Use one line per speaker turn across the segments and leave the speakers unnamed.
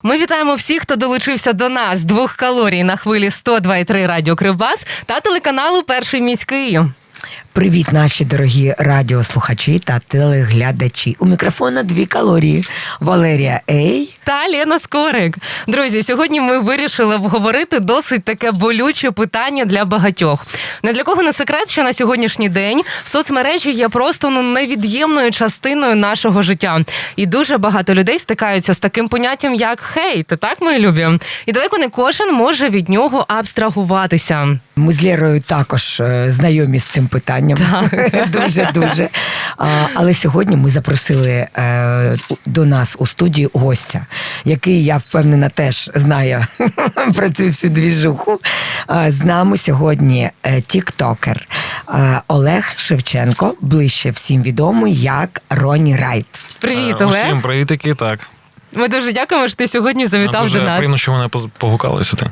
Ми вітаємо всіх, хто долучився до нас. 2 калорій на хвилі 102,3 Радіо Кривбас та телеканалу «Перший міський».
Привіт, наші дорогі радіослухачі та телеглядачі. У мікрофона 2 калорії. Валерія Ей
та Лена Скорик. Друзі, сьогодні ми вирішили обговорити досить таке болюче питання для багатьох. Не для кого не секрет, що на сьогоднішній день соцмережі є просто невід'ємною частиною нашого життя. І дуже багато людей стикаються з таким поняттям, як хейт. Так, мої любі? І далеко не кожен може від нього абстрагуватися.
Ми з Лєрою також знайомі з цим питанням. Дуже-дуже. Але сьогодні ми запросили до нас у студію гостя, який, я впевнена, теж знає про цю всю двіжуху. З нами сьогодні тіктокер Олег Шевченко, ближче всім відомий як Ронні Райт.
Привіт, Олег.
Усім привітики, так.
Ми дуже дякуємо, що ти сьогодні завітав до нас.
Дуже приємно, що мене погукали сюди.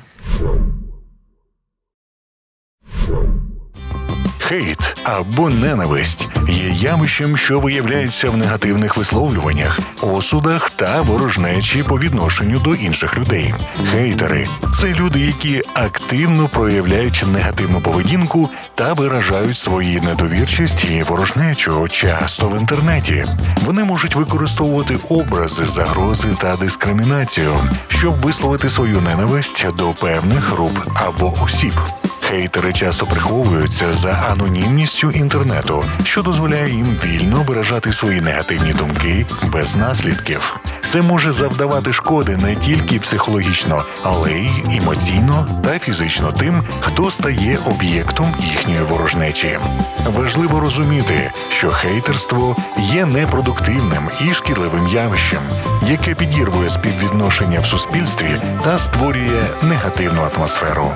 Хейт або ненависть є явищем, що виявляється в негативних висловлюваннях, осудах та ворожнечі по відношенню до інших людей. Хейтери – це люди, які активно проявляють негативну поведінку та виражають свою недовірчість і ворожнечу, часто в інтернеті. Вони можуть використовувати образи, загрози та дискримінацію, щоб висловити свою ненависть до певних груп або осіб. Хейтери часто приховуються за анонімністю інтернету, що дозволяє їм вільно виражати свої негативні думки без наслідків. Це може завдавати шкоди не тільки психологічно, але й емоційно та фізично тим, хто стає об'єктом їхньої ворожнечі. Важливо розуміти, що хейтерство є непродуктивним і шкідливим явищем, яке підірвує співвідношення в суспільстві та створює негативну атмосферу.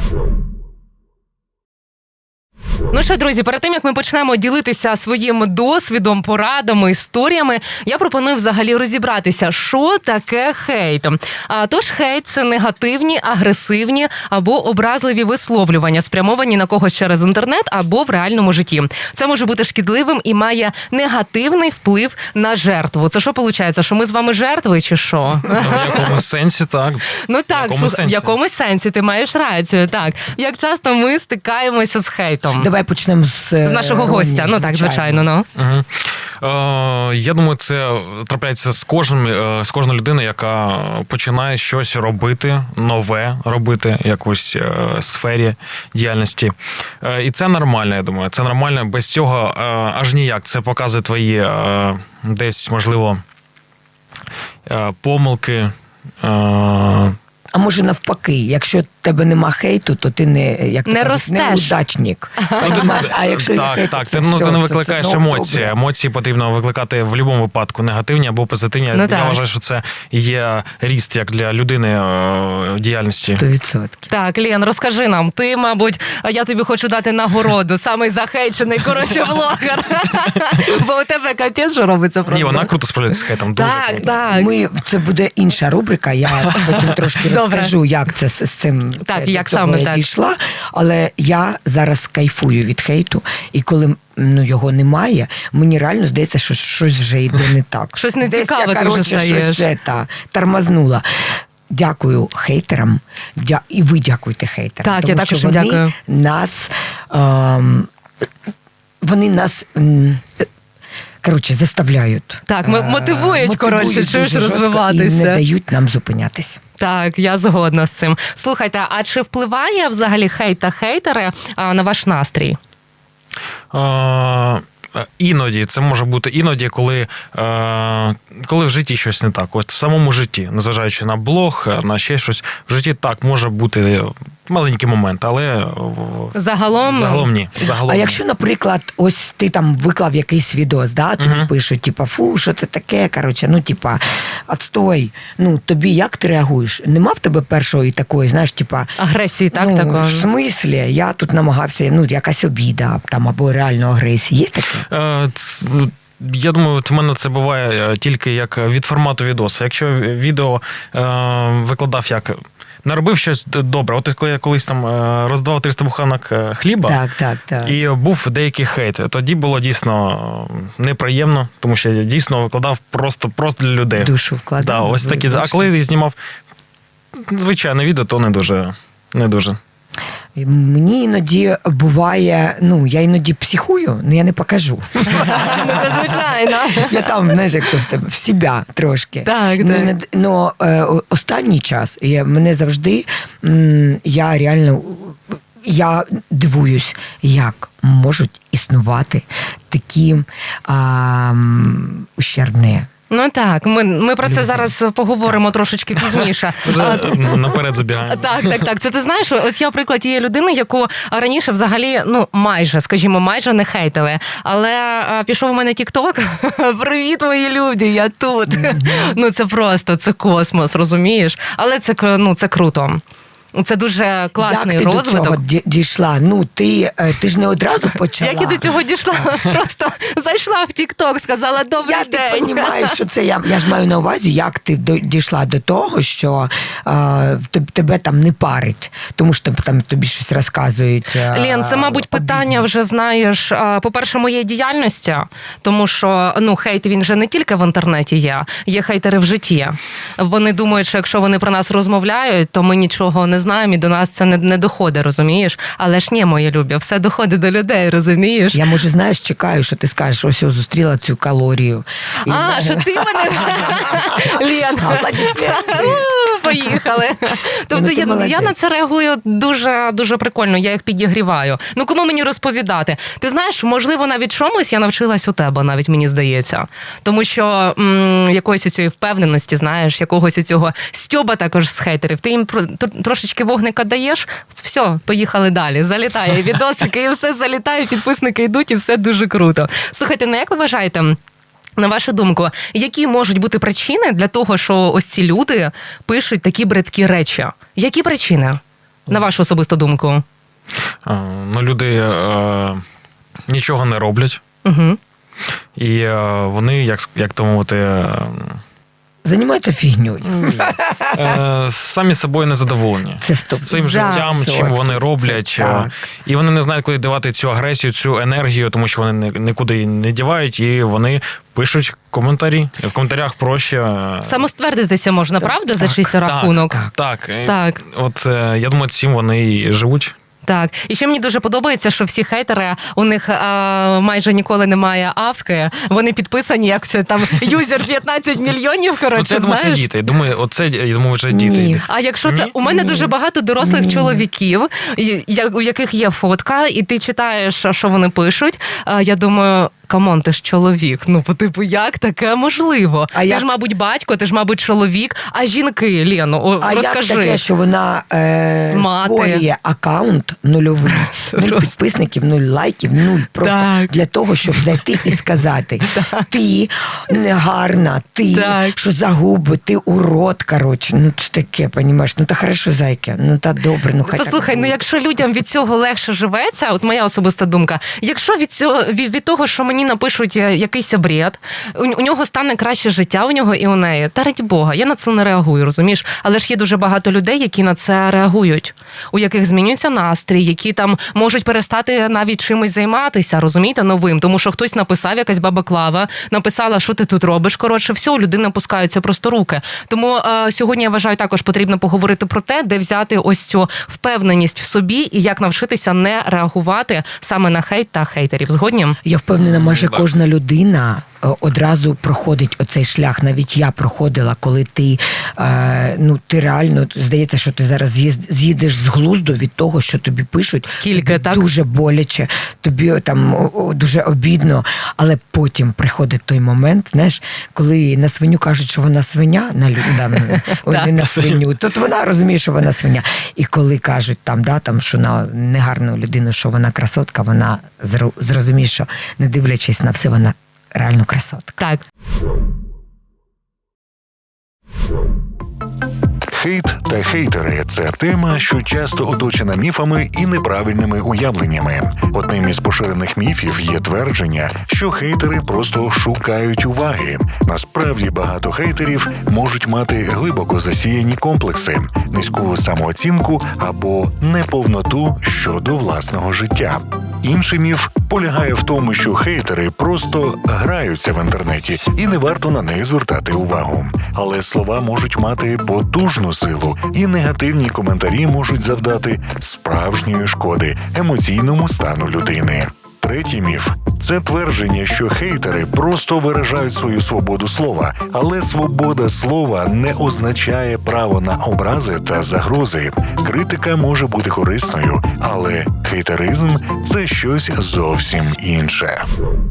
Ну що, друзі, перед тим, як ми почнемо ділитися своїм досвідом, порадами, історіями, я пропоную взагалі розібратися, що таке хейт. Тож хейт – це негативні, агресивні або образливі висловлювання, спрямовані на когось через інтернет або в реальному житті. Це може бути шкідливим і має негативний вплив на жертву. Це що виходить, що ми з вами жертви чи що?
В якомусь сенсі, так.
Ну так, в якомусь сенсі ти маєш рацію, так. Як часто ми стикаємося з хейтом?
Давай почнемо з
нашого гостя. Ну так, звичайно.
Угу. Я думаю, це трапляється з кожною людиною, яка починає щось робити, нове робити, якусь сфері діяльності. І це нормально, я думаю. Це нормально. Без цього аж ніяк. Це показує твої десь, можливо, помилки.
А може навпаки, якщо в тебе нема хейту, то ти не неудачник. А якщо
так, ти не викликаєш емоції. Емоції потрібно викликати в будь-якому випадку, негативні або позитивні. Я вважаю, що це є ріст як для людини в діяльності.
100%.
Так, Лен, розкажи нам. Ти, мабуть, я тобі хочу дати нагороду. Самий захейчений, влогер. Бо у тебе капець, що робиться просто.
Ні, вона круто справляється з хейтом.
Так.
Це буде інша рубрика, я потім трошки розкажу, як це з цим
як саме
дійшла. Але я зараз кайфую від хейту, і коли його немає, мені реально здається, що щось вже йде не так.
Щось нецікаве ти вже стаєш.
Щось тормознула. Дякую хейтерам, і ви дякуйте хейтерам.
Так,
тому
я також
що вони
дякую.
Вони нас заставляють.
Так, мотивують, чуєш, розвиватися.
І не дають нам зупинятись.
Так, я згодна з цим. Слухайте, а чи впливає взагалі хейт та хейтери на ваш настрій?
Іноді, це може бути іноді, коли в житті щось не так. От в самому житті, незважаючи на блог, на ще щось, в житті так може бути маленький момент, але загалом ні.
А якщо, наприклад, ось ти там виклав якийсь відос, тобі пишуть, фу, що це таке, отстой. Тобі як ти реагуєш? Нема в тебе першої такої, знаєш,
агресії, такого?
В смислі? Я тут намагався, якась обіда, або реально агресія. Є таке?
Я думаю, в мене це буває тільки як від формату відоса. Якщо відео викладав як робив щось добре. От коли я колись там роздавав 300 буханок хліба,
Так.
і був деякий хейт. Тоді було дійсно неприємно, тому що я дійсно викладав просто для людей.
Душу вкладав.
Да, ось такі. А коли я знімав звичайне відео, то не дуже.
Мені іноді буває, я іноді психую, але я не покажу.
Ну, це звичайно.
Я там, знаєш, як то в тебе, в себе трошки.
Так.
Но останній час мене завжди, я дивуюсь, як можуть існувати такі ущербні.
Ну так, ми про це зараз поговоримо трошечки пізніше.
Вже наперед забігаємо.
Так. Це ти знаєш, ось я приклад тієї людини, яку раніше взагалі, майже не хейтили. Але пішов у мене тік-ток. Привіт, мої люди, я тут. Це просто, це космос, розумієш? Але це круто. Це дуже класний розвиток.
Як ти до цього дійшла? Ти ж не одразу почала.
Як я до цього дійшла? Просто зайшла в тік-ток, сказала «Добрий день».
Я розумію, що це я ж маю на увазі, як ти дійшла до того, що тебе там не парить, тому що там тобі щось розказують.
Лен, це, мабуть, питання вже, знаєш, по-перше, моєї діяльності, тому що, хейт, він же не тільки в інтернеті є хейтери в житті. Вони думають, що якщо вони про нас розмовляють, то ми нічого не знаємо і до нас це не доходить, розумієш? Але ж ні, мої любі, все доходить до людей, розумієш?
Я, може, знаєш, чекаю, що ти скажеш, ось я зустріла цю калорію.
Що ти мене... Лен, поїхали. Тобто я на це реагую дуже, дуже прикольно, я їх підігріваю. Кому мені розповідати? Ти знаєш, можливо, навіть чомусь я навчилась у тебе, навіть мені здається. Тому що якоїсь цієї впевненості, знаєш, якогось цього стьоба також з хейтерів. Ти їм трошечки вогника даєш, все, поїхали далі. Залітає відосики, і все залітає, підписники йдуть, і все дуже круто. Слухайте, як ви вважаєте, на вашу думку, які можуть бути причини для того, що ось ці люди пишуть такі бридкі речі? Які причини, на вашу особисту думку?
Люди нічого не роблять.
Угу.
І вони, як то мовити...
Займаються фігньою.
Самі собою незадоволені.
Це стоп.
Своїм життям, чим вони роблять. І вони не знають, куди давати цю агресію, цю енергію, тому що вони нікуди її не дівають, і вони пишуть коментарі. В коментарях проще...
Самоствердитися можна, правда, за чийсь рахунок?
Так. От я думаю, цим вони і живуть.
Так. І ще мені дуже подобається, що всі хейтери, у них майже ніколи немає авки, вони підписані, як це там, юзер 15 мільйонів,
це,
знаєш?
Це діти. Я думаю, вже діти.
Ні.
А якщо це... У мене дуже багато дорослих чоловіків, у яких є фотка, і ти читаєш, що вони пишуть, я думаю... Камон, ти ж чоловік. Як таке можливо? Ти ж, мабуть, батько, ти ж, мабуть, чоловік. А жінки, Лено, розкажи.
А як таке, що вона створює акаунт нульовий, 0 підписників, 0 лайків, 0 просто для того, щоб зайти і сказати, ти негарна, ти що за губи, ти урод, коротше. Це таке, понімаєш, та хорошо, зайка, та добре, хай.
Послухай, якщо людям від цього легше живеться, от моя особиста думка, якщо від того, що мені напишуть якийсь бред, у нього стане краще життя, у нього і у неї. Та раді Бога, я на це не реагую, розумієш? Але ж є дуже багато людей, які на це реагують, у яких змінюється настрій, які там можуть перестати навіть чимось займатися, розумієте, новим, тому що хтось написав, якась баба Клава, написала, що ти тут робиш, коротше, все, у людини опускаються просто руки. Тому сьогодні, я вважаю, також потрібно поговорити про те, де взяти ось цю впевненість в собі і як навчитися не реагувати саме на хейт та хейтерів. Згодні?
Я впевнена, майже кожна людина одразу проходить оцей шлях. Навіть я проходила, коли ти реально, здається, що ти зараз з'їдеш з глузду від того, що тобі пишуть.
Скільки, так?
Дуже боляче, тобі там дуже обідно, але потім приходить той момент, знаєш, коли на свиню кажуть, що вона свиня, не на свиню, то вона розуміє, що вона свиня. І коли кажуть що на негарну людину, що вона красотка, вона зрозуміє, що не дивлячись на все, вона реально красотка.
Так.
Хейт та хейтери – це тема, що часто оточена міфами і неправильними уявленнями. Одним із поширених міфів є твердження, що хейтери просто шукають уваги. Насправді багато хейтерів можуть мати глибоко засіяні комплекси, низьку самооцінку або неповноту щодо власного життя. Інший міф полягає в тому, що хейтери просто граються в інтернеті і не варто на них звертати увагу. Але слова можуть мати потужну силу, і негативні коментарі можуть завдати справжньої шкоди емоційному стану людини. Третій міф – це твердження, що хейтери просто виражають свою свободу слова, але свобода слова не означає право на образи та загрози. Критика може бути корисною, але хейтеризм – це щось зовсім інше.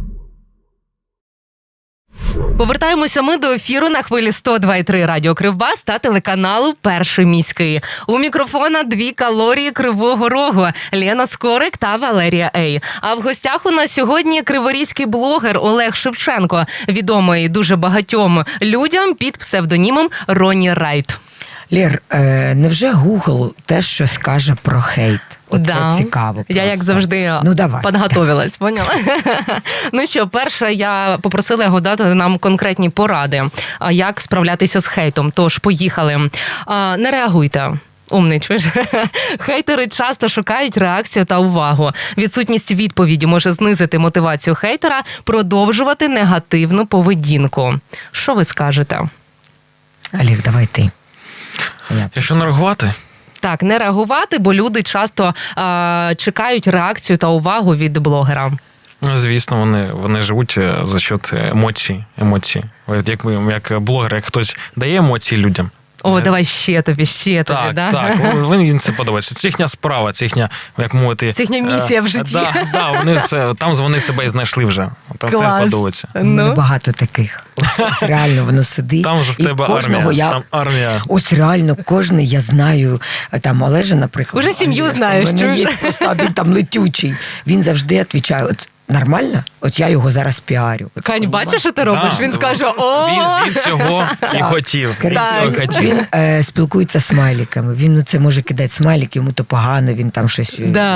Повертаємося ми до ефіру на хвилі 102,3 Радіо Кривбас та телеканалу «Перший міський». У мікрофона 2 калорії Кривого Рогу – Лена Скорик та Валерія Ей. А в гостях у нас сьогодні криворізький блогер Олег Шевченко, відомий дуже багатьом людям під псевдонімом Ронні Райт.
Лєр, невже Google те, що скаже про хейт? Оце цікаво просто.
Я, як завжди, підготовилась, поняла? Ну що, перше, я попросила його дати нам конкретні поради, як справлятися з хейтом. Тож, поїхали. Не реагуйте. Умний, чуєш? Хейтери часто шукають реакцію та увагу. Відсутність відповіді може знизити мотивацію хейтера продовжувати негативну поведінку. Що ви скажете?
Олег, давай ти.
Якщо не реагувати?
Так, не реагувати, бо люди часто чекають реакцію та увагу від блогера.
Звісно, вони живуть за счет емоцій. Як блогер, як хтось дає емоції людям.
О, давай ще тобі,
так,
да?
Так, їм це подобається. Це їхня справа, це їхня, як мовити...
Це їхня місія в житті.
Там вони себе і знайшли вже. Там
клас.
Це подобається.
Ну, багато таких. Ось реально воно сидить.
Там вже в тебе армія.
Ось реально кожний, я знаю, там Олежа, наприклад.
Уже сім'ю знаєш.
У мене є просто один там летючий. Він завжди відповідає, от нормально? От я його зараз піарю.
Кань, бачиш, що ти робиш? Він скаже,
Він цього і хотів.
Він спілкується з смайликами. Він це може кидати смайлик, йому то погано, він там щось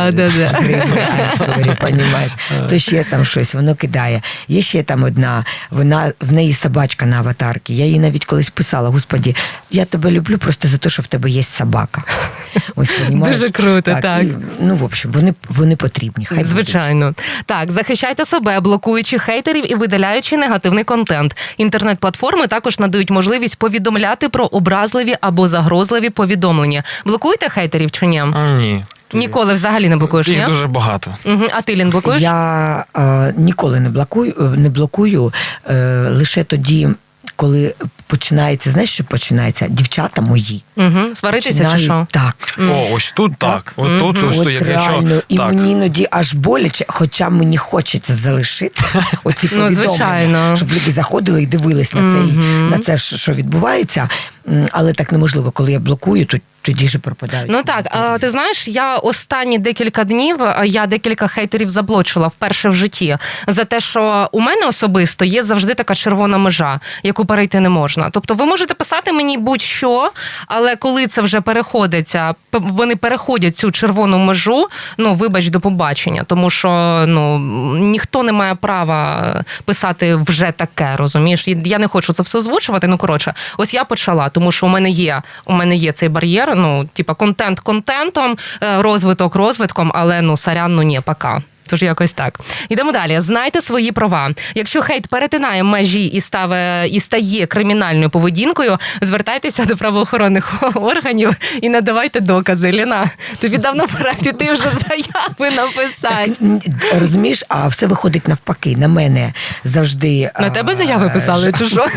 понімаєш. То ще там щось, воно кидає. Є ще там одна, в неї собачка на аватарці. Я їй навіть колись писала, Господі, я тебе люблю просто за те, що в тебе є собака. Ось, понімаєш?
Дуже круто, так.
І, ну, в общем, вони потрібні. Хай
звичайно. Так, захищайте себе, блокуючи хейтерів і видаляючи негативний контент. Інтернет-платформи також надають можливість повідомляти про образливі або загрозливі повідомлення. Блокуєте хейтерів чи ні?
Ні.
Ніколи взагалі не блокуєш, ні?
Їх дуже багато.
А ти, Лін, блокуєш?
Я ніколи не блокую лише тоді, коли починається, знаєш, що починається? Дівчата мої.
Сваритися чи що?
Так.
О, ось тут так. От
реально. І мені іноді аж боляче, хоча мені хочеться залишити оці повідомлення, щоб люди заходили і дивились на це, що відбувається. Але так неможливо, коли я блокую, то тоді ж пропадають.
Ну так, ти знаєш, я останні декілька днів, я декілька хейтерів заблочила вперше в житті за те, що у мене особисто є завжди така червона межа, яку перейти не можна. Тобто ви можете писати мені будь-що, але коли це вже вони переходять цю червону межу, ну, вибач, до побачення. Тому що, ну, ніхто не має права писати вже таке, розумієш? Я не хочу це все озвучувати, ну, коротше, ось я почала, тому що у мене є цей бар'єр, ну, типа, контент контентом, розвиток розвитком, але, ну, сорян, ну, ні, пока. Тож якось так. Йдемо далі. Знайте свої права. Якщо хейт перетинає межі і стає кримінальною поведінкою, звертайтеся до правоохоронних органів і надавайте докази. Ліна, тобі давно пора піти вже заяви написати.
Так, розумієш, а все виходить навпаки. На мене завжди...
На тебе заяви писали, чи що?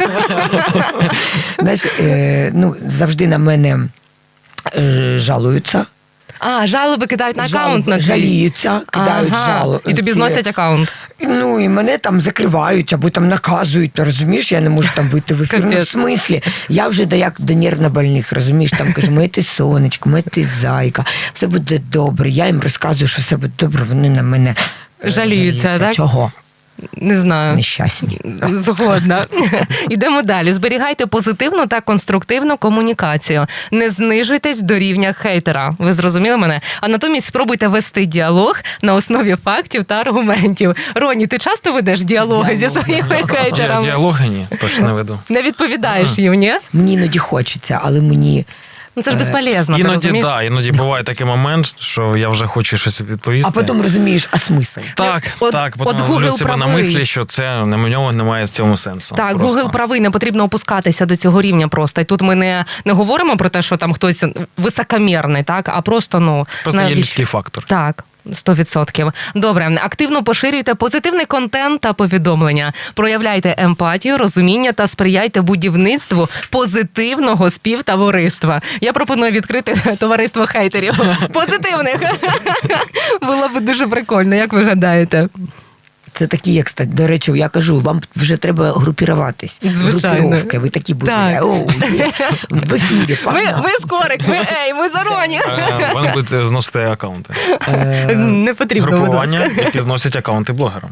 Знаєш, ну, завжди на мене жалуються.
Жалоби кидають на аккаунт на твій?
Жаліються, кидають жалоби.
І тобі зносять аккаунт?
Ну, і мене там закривають, або там наказують, розумієш? Я не можу там вийти в ефір. Ну, в смислі? Я вже як до нервнобольних, розумієш? Там кажу, моє ти сонечко, моє ти зайка, все буде добре. Я їм розказую, що все буде добре, вони на мене
жаліються, так?
Чого?
Не знаю.
нещасні.
Згодна. Ідемо далі. Зберігайте позитивну та конструктивну комунікацію. Не знижуйтесь до рівня хейтера. Ви зрозуміли мене? А натомість спробуйте вести діалог на основі фактів та аргументів. Роні, ти часто ведеш діалоги зі своїми хейтерами?
Діалоги ні, точно не веду.
Не відповідаєш їм, ні?
Мені іноді хочеться, але мені
Ну це ж безполезно, ти
Іноді,
розумієш?
іноді буває такий момент, що я вже хочу щось відповісти.
а потім розумієш, а смисл?
Так,
От-
так,
от
потім
Google
ловлю себе на
правий.
мислі, що це на ньому немає в цьому сенсу.
Так,
Просто.
Google правий, не потрібно опускатися до цього рівня просто. І тут ми не говоримо про те, що там хтось високомірний, так, а просто,
Просто є
навіщо?
людський фактор.
Так. 100%. Добре, активно поширюйте позитивний контент та повідомлення. Проявляйте емпатію, розуміння та сприяйте будівництву позитивного співтовариства. Я пропоную відкрити товариство хейтерів. Позитивних. Було б дуже прикольно, як ви гадаєте?
Це такі, як стать. До речі, я кажу, вам вже треба групіруватись.
Звичайно.
Групіровки, ви такі будете.
Так.
В ефірі, погнали.
Ви скорик, ви зароні.
Вони будуть зносити акаунти.
Не потрібно, будь
Групування,
ласка.
які зносять акаунти блогерам.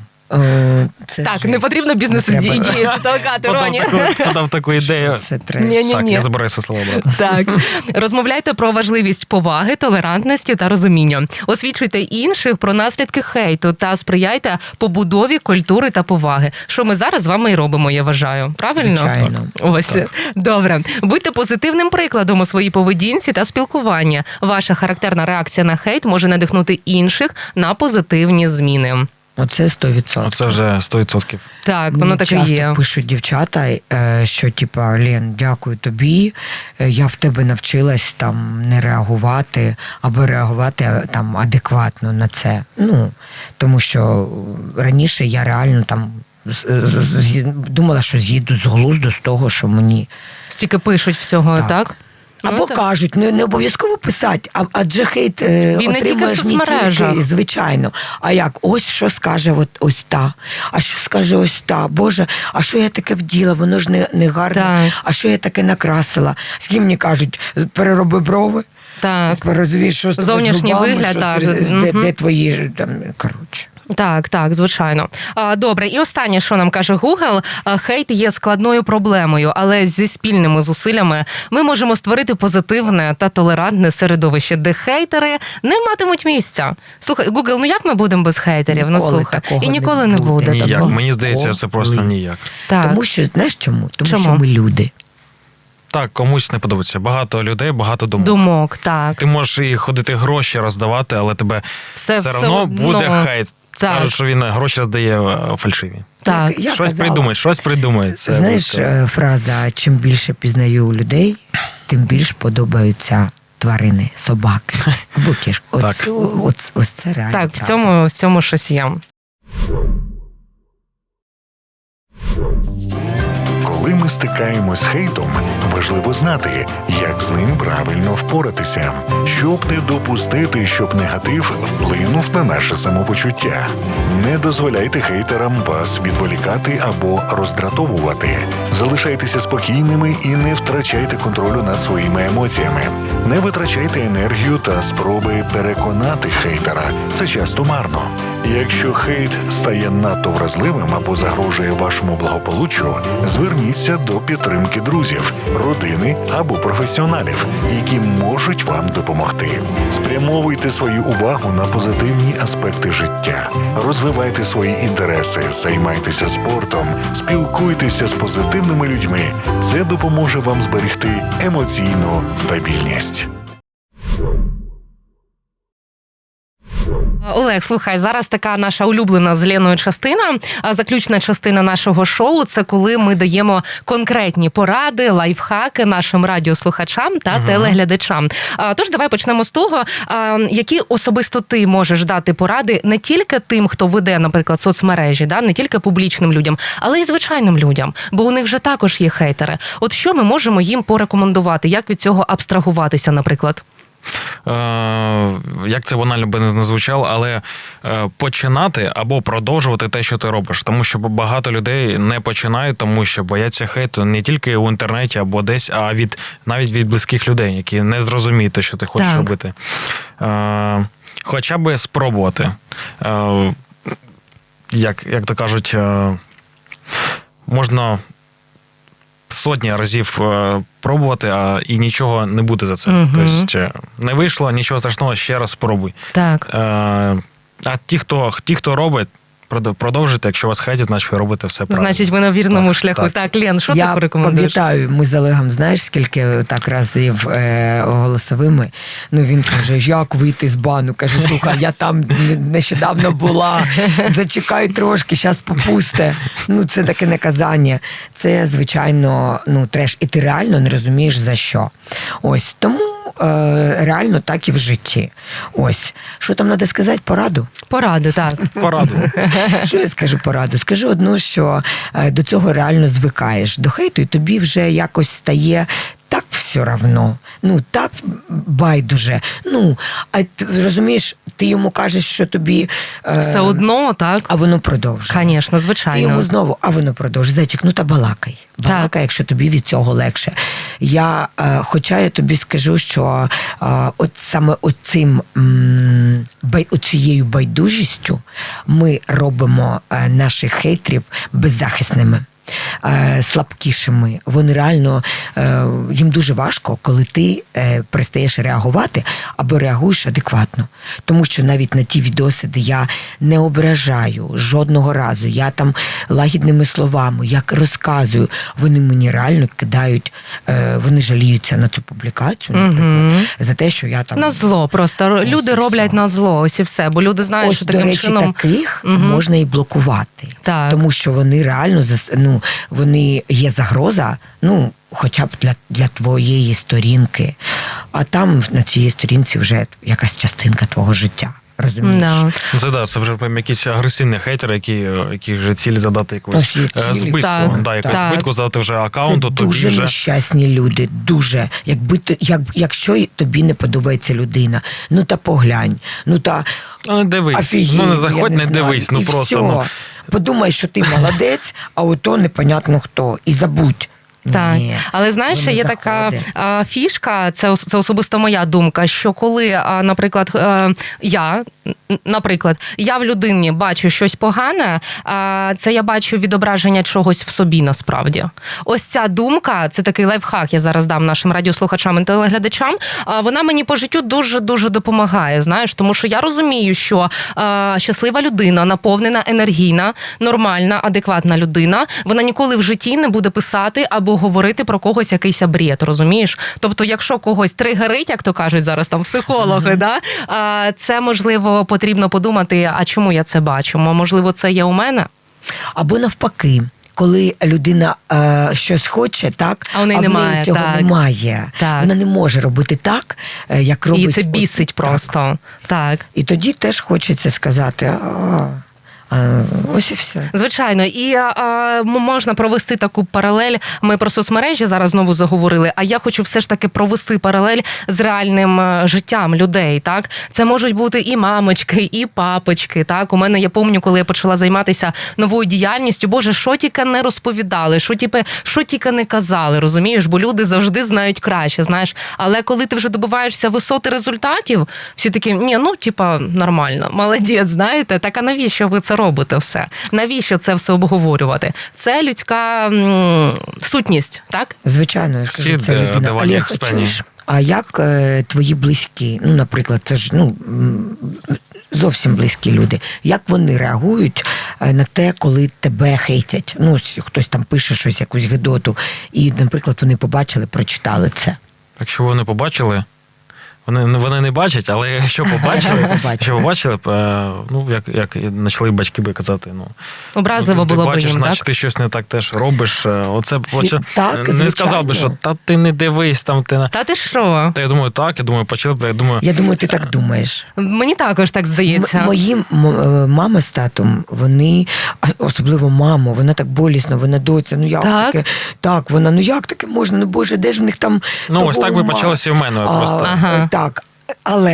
Це
Так,
жесть.
не потрібно
Не
бізнес-ідеї
треба.
толкати, Роні.
Подав таку ідею.
Це треш.
Ні-ні.
Так, я забираю свої слова обратно.
Так, розмовляйте про важливість поваги, толерантності та розуміння. Освічуйте інших про наслідки хейту та сприяйте побудові культури та поваги. Що ми зараз з вами і робимо, я вважаю. Правильно?
Звичайно.
Ось добре. Будьте позитивним прикладом у своїй поведінці та спілкуванні. Ваша характерна реакція на хейт може надихнути інших на позитивні зміни.
Оце 100%.
Оце вже 100%.
Так, воно
Мені
так і
часто
є.
пишуть дівчата, що типа Лен, дякую тобі. Я в тебе навчилась там не реагувати або реагувати там адекватно на це. Ну тому що раніше я реально там думала, що з'їду з глузду з того, що мені
Стільки пишуть всього,
Так.
так?
або
так.
кажуть, не обов'язково писати, адже хейт
не тільки в
отримуєш не
соцмережах.
тільки, звичайно. А як? Ось що скаже ось та, а що скаже ось та. Боже, а що я таке вділа? Воно ж не гарне.
Так.
А що я таке накрасила? З ким мені кажуть, перероби брови?
Так.
Розумієш, що з тобою з
Зовнішній
губами,
вигляд,
що
так.
де
Мгм.
твої ж там, коротше.
Так, звичайно. Добре, і останнє, що нам каже Google, хейт є складною проблемою, але зі спільними зусиллями ми можемо створити позитивне та толерантне середовище, де хейтери не матимуть місця. Слухай, Google, як ми будемо без хейтерів?
Ніколи
Слухай.
такого
І
не
ніколи не
буде.
буде.
Ніяк.
Ніяк.
такого.
Мені здається, це просто
Коли?
ніяк.
Так.
Тому що, знаєш чому? Тому
Чому?
що ми люди.
Так, комусь не подобається. Багато людей, багато думок.
Думок, так.
Ти можеш і ходити гроші роздавати, але тебе
Все
одно
одно.
буде хейт.
Так.
Кажуть, що він гроші роздає фальшиві.
Так.
Я
Щось
казала,
придумає. Це
знаєш,
близько.
фраза «чим більше пізнаю людей, тим більш подобаються тварини, собаки або кішки».
Так.
Ось це реально
Так,
правда.
в цьому щось є.
Коли ми стикаємось з хейтом, важливо знати, як з ним правильно впоратися, щоб не допустити, щоб негатив вплинув на наше самопочуття. Не дозволяйте хейтерам вас відволікати або роздратовувати. Залишайтеся спокійними і не втрачайте контролю над своїми емоціями. Не витрачайте енергію та спроби переконати хейтера. Це часто марно. Якщо хейт стає надто вразливим або загрожує вашому благополуччю, зверніться до підтримки друзів, родини або професіоналів, які можуть вам допомогти. Спрямовуйте свою увагу на позитивні аспекти життя, розвивайте свої інтереси, займайтеся спортом, спілкуйтеся з позитивними людьми. Це допоможе вам зберегти емоційну стабільність.
Олег, слухай, зараз така наша улюблена з Леною частина, заключна частина нашого шоу – це коли ми даємо конкретні поради, лайфхаки нашим радіослухачам та телеглядачам. Тож давай почнемо з того, які особисто ти можеш дати поради не тільки тим, хто веде, наприклад, соцмережі, не тільки публічним людям, але й звичайним людям, бо у них же також є хейтери. От що ми можемо їм порекомендувати, як від цього абстрагуватися, наприклад?
Як це банально би не звучало, але починати або продовжувати те, що ти робиш. Тому що багато людей не починають, тому що бояться хейту не тільки в інтернеті або десь, а навіть від близьких людей, які не зрозуміють те, що ти хочеш
Так.
робити. Хоча би спробувати. як то кажуть, можна сотні разів пробувати, і нічого не буде за це.
Мгм.
Тобто не вийшло, нічого страшного, ще раз спробуй.
Так.
А ті, хто робить, продовжуйте, якщо вас хейтять, значить ви робите все правильно.
Значить, ви на вірному
Так,
шляху.
так.
Так, Лен, що
Я
ти порекомендуєш?
пам'ятаю, ми з Олегом, знаєш, скільки так разів голосовими. Ну, він каже, як вийти з бану? Кажу, слухай, я там нещодавно була, зачекай трошки, зараз попусте. Ну, це таке наказання. Це, звичайно, ну, треш. І ти реально не розумієш, за що. Ось, тому реально так і в житті. Ось. Що там треба сказати? Пораду?
Поради, так.
Пораду.
Що я скажу пораду? Скажу одну, що до цього реально звикаєш. До хейту, і тобі вже якось стає так все равно. Ну, так байдуже. Ну, а розумієш, ти йому кажеш, що тобі...
Все одно, так.
А воно продовжує.
Звісно,
Ти
звичайно.
йому знову, а воно продовжує. Зайчик, ну та балакай. Балакай, якщо тобі від цього легше. Хоча я тобі скажу, що от саме оцією байдужістю ми робимо наших хейтерів беззахисними. Слабкішими. Вони реально, їм дуже важко, коли ти перестаєш реагувати або реагуєш адекватно. Тому що навіть на ті відоси, де я не ображаю жодного разу, я там лагідними словами, як розказую, вони мені реально кидають, вони жаліються на цю публікацію, наприклад, за те, що я там...
На зло просто. Люди роблять на зло, ось і все. Бо люди знають,
Ось,
що
до
таким
речі,
чином...
таких можна і блокувати.
Так.
Тому що вони реально, вони є загроза, ну, хоча б для твоєї сторінки. А там на цій сторінці вже якась частинка твого життя. Розумієш?
Да.
Це вже прям якісь агресивні хейтери, які вже цілі задати якусь збитку.
Так,
Да, якусь
так.
збитку задати вже аккаунту,
Це
тобі
дуже
вже...
нещасні люди, дуже. Якщо тобі не подобається людина, ну та поглянь, ну та
Ну, не дивись.
офігеть,
Не заходь,
я
не
знаю.
дивись. Ну
І
просто.
все. Подумай, що ти молодець, а ото непонятно хто. І забудь.
Так,
Ні,
але знаєш,
воно
є така
заходить.
фішка, це особисто моя думка, що коли, наприклад, я в людині бачу щось погане, це я бачу відображення чогось в собі насправді. Ось ця думка, це такий лайфхак, я зараз дам нашим радіослухачам і телеглядачам, вона мені по життю дуже-дуже допомагає, знаєш, тому що я розумію, що щаслива людина, наповнена, енергійна, нормальна, адекватна людина, вона ніколи в житті не буде писати або говорити про когось якийсь бред, розумієш? Тобто, якщо когось тригерить, як то кажуть зараз там психологи, це, можливо, потрібно подумати, а чому я це бачу? Можливо, це є у мене?
Або навпаки. Коли людина щось хоче, так,
а в неї немає,
цього
так.
немає.
Так.
Вона не може робити так, як робить.
І це бісить просто. Так.
І тоді теж хочеться сказати, ось і все.
Звичайно, і можна провести таку паралель. Ми про соцмережі зараз знову заговорили, а я хочу все ж таки провести паралель з реальним життям людей. Так, це можуть бути і мамочки, і папочки. Так, у мене я пам'ятаю, коли я почала займатися новою діяльністю. Боже, що тільки не розповідали, що тільки не казали, розумієш? Бо люди завжди знають краще, знаєш. Але коли ти вже добиваєшся висоти результатів, всі такі, нормально, молодець, знаєте. Так, а навіщо ви це робите все? Навіщо це все обговорювати? Це людська сутність, так?
Звичайно, я скажу, це людина. Але я хочу, а як твої близькі, ну, наприклад, це ж зовсім близькі люди, як вони реагують на те, коли тебе хейтять? Ну, хтось там пише щось, якусь гидоту, і, наприклад, вони побачили, прочитали це.
Якщо вони побачили, вони не бачать, але якщо побачили, як почали батьки би казати,
образливо було б їм, так?
Значить, ти щось не так теж робиш. Оце
так,
не сказав би, що ти не дивись там.
Та ти що?
Та я думаю, так, почали,
Я думаю, ти так думаєш.
Мені також так здається.
Мої мама з татом, вони, особливо мама, вона так болісно, вона доця, ну як
так?
таке? Так, вона, ну як таке можна, ну Боже, де ж в них там
ось так би почалося і в мене просто.
Так, але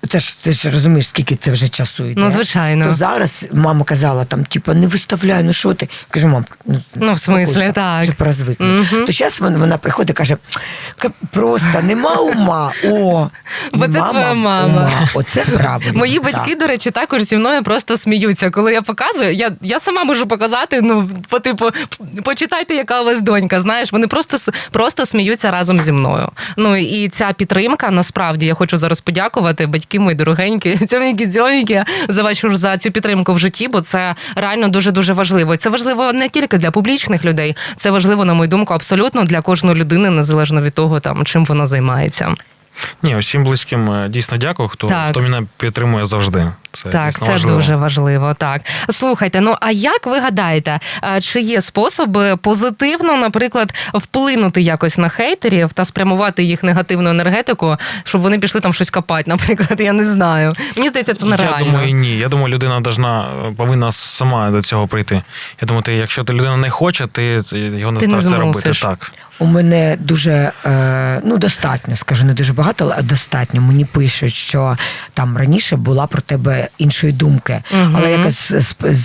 ти ж розумієш, скільки це вже часу йде.
Ну, звичайно.
То зараз мама казала, там, типу, не виставляй, ну що ти? Кажу, мам,
Ну, в смислі,
успокойся,
так.
щоб розвикнути.
Мгм.
То зараз вона приходить і каже, просто нема ума,
Бо це твоя мама.
ума. Оце правильно.
Мої батьки, до речі, також зі мною просто сміються. Коли я показую, я сама можу показати, ну, по типу, почитайте, яка у вас донька, знаєш, вони просто сміються разом зі мною. Ну, і ця підтримка, насправді, я хочу зараз подякувати, батьки мої дорогенькі, цьоміки, за цю підтримку в житті, бо це реально дуже-дуже важливо. І це важливо не тільки для публічних людей, це важливо, на мою думку, абсолютно для кожної людини, незалежно від того, там, чим вона займається.
Ні, усім близьким дійсно дякую, хто мене підтримує завжди. Це
Так,
дійсно
це
важливо.
дуже важливо. Так, слухайте, ну а як ви гадаєте, чи є способи позитивно, наприклад, вплинути якось на хейтерів та спрямувати їх негативну енергетику, щоб вони пішли там щось копати, наприклад, я не знаю. Мені здається, це нереально.
Я думаю, ні. Я думаю, людина повинна сама до цього прийти. Я думаю, якщо людина не хоче, ти його не стараєшся робити. Так.
У мене дуже, достатньо, скажу, не дуже багато, але достатньо. Мені пишуть, що там раніше була про тебе іншої думки. Але якось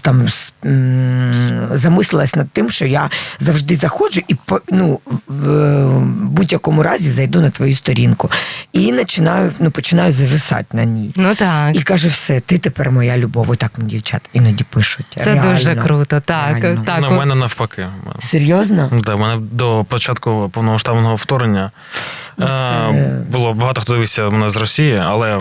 замислилась над тим, що я завжди заходжу і в будь-якому разі зайду на твою сторінку. І починаю зависати на ній.
Ну так.
І кажу, все, ти тепер моя любов. Отак мені дівчата іноді пишуть.
Це
реально,
дуже круто, так.
реально.
Так.
У мене навпаки.
Серйозно?
Да, у мене до початку повномасштабного вторгнення було багато хто дивився мене з Росії, але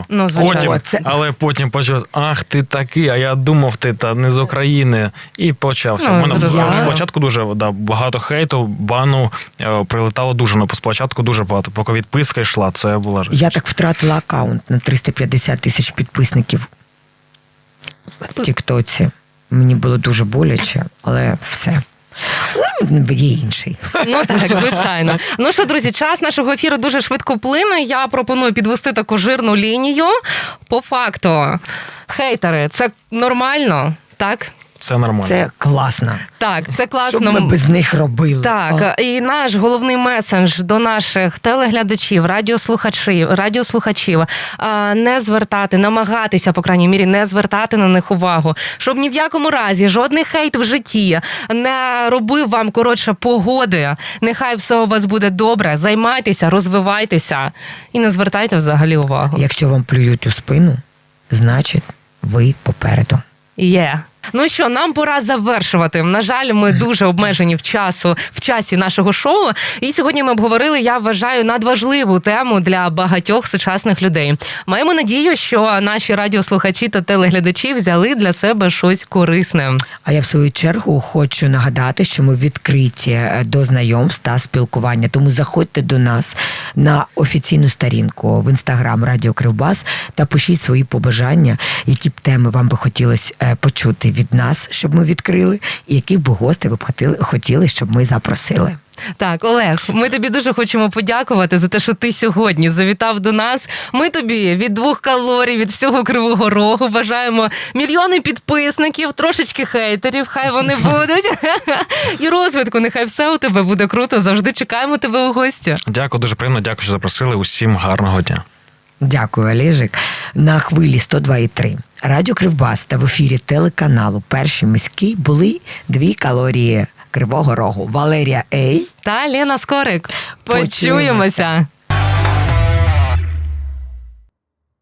потім почав, ах, ти такий, а я думав, ти не з України. І почався. У мене спочатку дуже багато хейту, бану прилетало дуже, спочатку дуже багато. Поки відписка йшла, це була жесть.
Я так втратила аккаунт на 350 тисяч підписників в Тіктоці. Мені було дуже боляче, але все. Є інший.
Ну так, звичайно. Ну що, друзі, час нашого ефіру дуже швидко плине. Я пропоную підвести таку жирну лінію. По факту, хейтери – це нормально, так?
Це нормально.
Це класно.
Так, це класно.
Що б ми без них робили?
Так, і наш головний месендж до наших телеглядачів, радіослухачів не звертати, намагатися, по крайній мірі, не звертати на них увагу. Щоб ні в якому разі жодний хейт в житті не робив вам, погоди. Нехай все у вас буде добре. Займайтеся, розвивайтеся і не звертайте взагалі увагу.
Якщо вам плюють у спину, значить ви попереду.
Є. Ну що, нам пора завершувати. На жаль, ми дуже обмежені в часі нашого шоу. І сьогодні ми обговорили, я вважаю, надважливу тему для багатьох сучасних людей. Маємо надію, що наші радіослухачі та телеглядачі взяли для себе щось корисне.
А я в свою чергу хочу нагадати, що ми відкриті до знайомств та спілкування. Тому заходьте до нас на офіційну сторінку в Інстаграм Радіо Кривбас та пишіть свої побажання, які б теми вам би хотілося почути від нас, щоб ми відкрили, і яких би гостей ви б хотіли, щоб ми запросили.
Так, Олег, ми тобі дуже хочемо подякувати за те, що ти сьогодні завітав до нас. Ми тобі від 2 калорій, від всього Кривого Рогу бажаємо мільйони підписників, трошечки хейтерів, хай вони будуть. І розвитку, нехай все у тебе буде круто. Завжди чекаємо тебе у гості.
Дякую, дуже приємно. Дякую, що запросили. Усім гарного дня.
Дякую, Олежик. На хвилі 102,3 Радіо Кривбас та в ефірі телеканалу «Перший міський» були 2 калорії Кривого Рогу. Валерія Ей
та Лена Скорик. Почуємося.